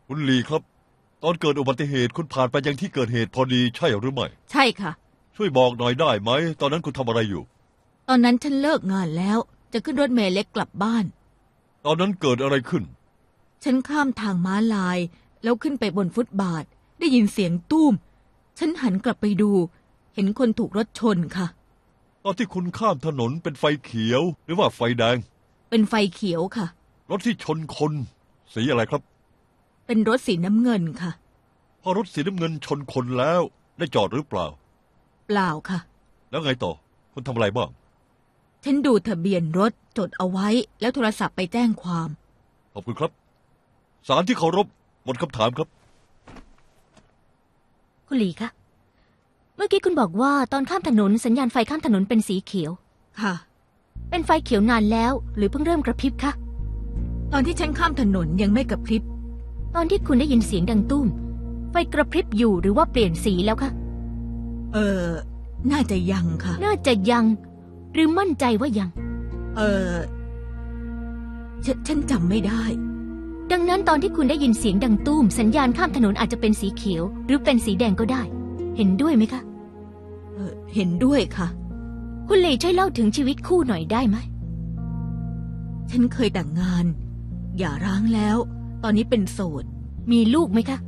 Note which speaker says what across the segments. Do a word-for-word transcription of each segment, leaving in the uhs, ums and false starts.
Speaker 1: คุณลีครับตอนเกิดอุบัติเหตุคุณผ่านไปยังที่เกิดเหตุพอดีใช่หรือไม่
Speaker 2: ใช่ค่ะ
Speaker 1: ช่วยบอกหน่อยได้ไหมตอนนั้นคุณทำอะไรอยู่
Speaker 2: ตอนนั้นฉันเลิกงานแล้วจะขึ้นรถเมล์เล็กกลับบ้าน
Speaker 1: ตอนนั้นเกิดอะไรขึ้น
Speaker 2: ฉันข้ามทางม้าลายแล้วขึ้นไปบนฟุตบาทได้ยินเสียงตุ้มฉันหันกลับไปดูเห็นคนถูกรถชนค่ะ
Speaker 1: ตอนที่คุณข้ามถนนเป็นไฟเขียวหรือว่าไฟแดง
Speaker 2: เป็นไฟเขียวค่ะ
Speaker 1: รถที่ชนคนสีอะไรครับ
Speaker 2: เป็นรถสีน้ำเงินค่ะ
Speaker 1: พอรถสีน้ำเงินชนคนแล้วได้จอดหรือเปล่า
Speaker 2: เปล่าค่ะ
Speaker 1: แล้วไงต่อคุณทำอะไรบ้าง
Speaker 2: ฉันดูทะเบียนรถจดเอาไว้แล้วโทรศัพท์ไปแจ้งความ
Speaker 1: ขอบคุณครับศาลที่เคารพหมดคำถามครับ
Speaker 3: คุณหลีคะเมื่อกี้คุณบอกว่าตอนข้ามถนนสัญญาณไฟข้ามถนนเป็นสีเขียว
Speaker 2: ค่ะ
Speaker 3: เป็นไฟเขียวนานแล้วหรือเพิ่งเริ่มกระพริบคะ
Speaker 2: ตอนที่ฉันข้ามถนนยังไม่กระพริบ
Speaker 3: ตอนที่คุณได้ยินเสียงดังตุ้มไฟกระพริบอยู่หรือว่าเปลี่ยนสีแล้วคะ
Speaker 2: เออน่าจะยังค่ะ
Speaker 3: น่าจะยังหรือมั่นใจว่ายัง
Speaker 2: เออฉฉันจำไม่ได้
Speaker 3: ดังนั้นตอนที่คุณได้ยินเสียงดังตุ้มสัญญาณข้ามถนนอาจจะเป็นสีเขียวหรือเป็นสีแดงก็ได้เห็นด้วยไหมคะ
Speaker 2: เออเห็นด้วยค่ะ
Speaker 3: คุณหลีช่วยเล่าถึงชีวิตคู่หน่อยได้ไหม
Speaker 2: ฉันเคยแต่งงานหย่าร้างแล้วตอนนี้เป็นโสด
Speaker 3: มีลูกไหมคะ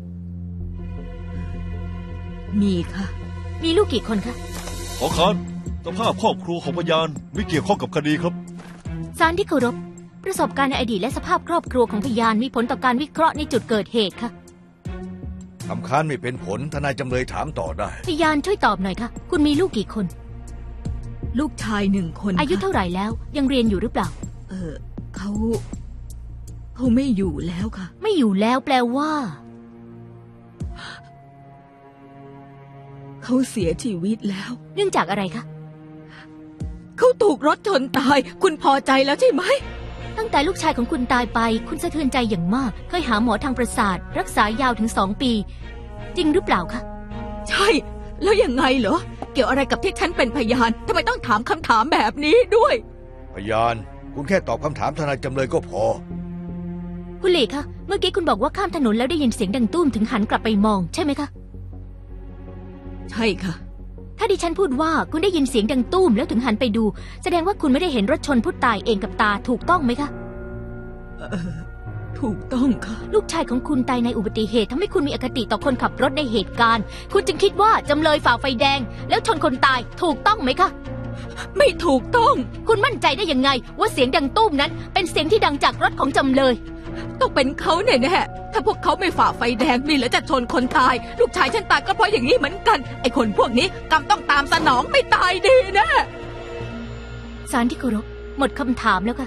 Speaker 2: มีค่ะ
Speaker 3: มีลูกกี่คนคะ
Speaker 1: ขอค้านสภาพครอบครัวของพยานไม่เกี่ยวข้องกับคดีครับ
Speaker 3: ศาลที่เคารพประสบการณ์ในอดีตและสภาพครอบครัวของพยานมีผลต่อการวิเคราะห์ในจุดเกิดเหตุค่ะ
Speaker 4: คำค้านไม่เป็นผลทนายจำเลยถามต่อได้
Speaker 3: พยานช่วยตอบหน่อยค่ะคุณมีลูกกี่คน
Speaker 2: ลูกชายหนึ่งคน
Speaker 3: อายุเท่าไหร่แล้วยังเรียนอยู่หรือเปล่า
Speaker 2: เออเขาเขาไม่อยู่แล้วค่ะ
Speaker 3: ไม่อยู่แล้วแปลว่า
Speaker 2: เขาเสียชีวิตแล้ว
Speaker 3: เนื่องจากอะไรคะ
Speaker 2: เขาถูกรถชนตายคุณพอใจแล้วใช่ไหม
Speaker 3: ตั้งแต่ลูกชายของคุณตายไปคุณสะเทือนใจอย่างมากเคยหาหมอทางประสาทรักษายาวถึงสองปีจริงหรือเปล่าคะ
Speaker 2: ใช่แล้วยังไงเหรอเกี่ยวอะไรกับที่ฉันเป็นพยานทำไมต้องถามคำถามแบบนี้ด้วย
Speaker 4: พยานคุณแค่ตอบคำถามทนายจำเลยก็พอ
Speaker 3: คุณหลีคะเมื่อกี้คุณบอกว่าข้ามถนนแล้วได้ยินเสียงดังตุ้มถึงหันกลับไปมองใช่ไหมคะ
Speaker 2: ใช่ค่ะ
Speaker 3: ถ้าดิฉันพูดว่าคุณได้ยินเสียงดังตุ้มแล้วถึงหันไปดูแสดงว่าคุณไม่ได้เห็นรถชนผู้ตายเองกับตาถูกต้องไหมคะ
Speaker 2: เออถูกต้องค่ะ
Speaker 3: ลูกชายของคุณตายในอุบัติเหตุทำให้คุณมีอคติต่อคนขับรถในเหตุการณ์คุณจึงคิดว่าจำเลยฝ่าไฟแดงแล้วชนคนตายถูกต้องไหมคะ
Speaker 2: ไม่ถูกต้อง
Speaker 3: คุณมั่นใจได้ยังไงว่าเสียงดังตุ้มนั้นเป็นเสียงที่ดังจากรถของจำเลย
Speaker 2: ต้องเป็นเขาแน่ๆถ้าพวกเขาไม่ฝ่าไฟแดงมีแล้วจะชนคนตายลูกชายฉันตายก็เพราะอย่างนี้เหมือนกันไอ้คนพวกนี้กรรมต้องตามสนองไม่ตายดีนะ
Speaker 3: ศาลที่เคารพหมดคำถามแล้วค่ะ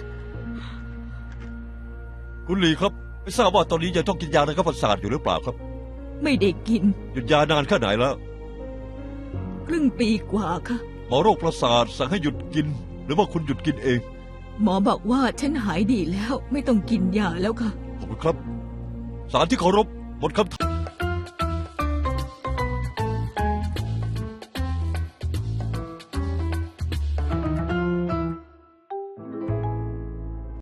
Speaker 1: คุณลีครับไม่ทราบว่าตอนนี้ยังต้องกินยาระงับประสาทอยู่หรือเปล่าครับ
Speaker 2: ไม่ได้กิน
Speaker 1: หยุดยานานแค่ไหนแล้ว
Speaker 2: ครึ่งปีกว่าค่ะ
Speaker 1: หมอโรคประสาทสั่งให้หยุดกินหรือว่าคุณหยุดกินเอง
Speaker 2: หมอบอกว่าฉันหายดีแล้วไม่ต้องกินยาแล้วค่ะ
Speaker 1: ขอบคุณครับศาลที่เคารพหมดคำถาม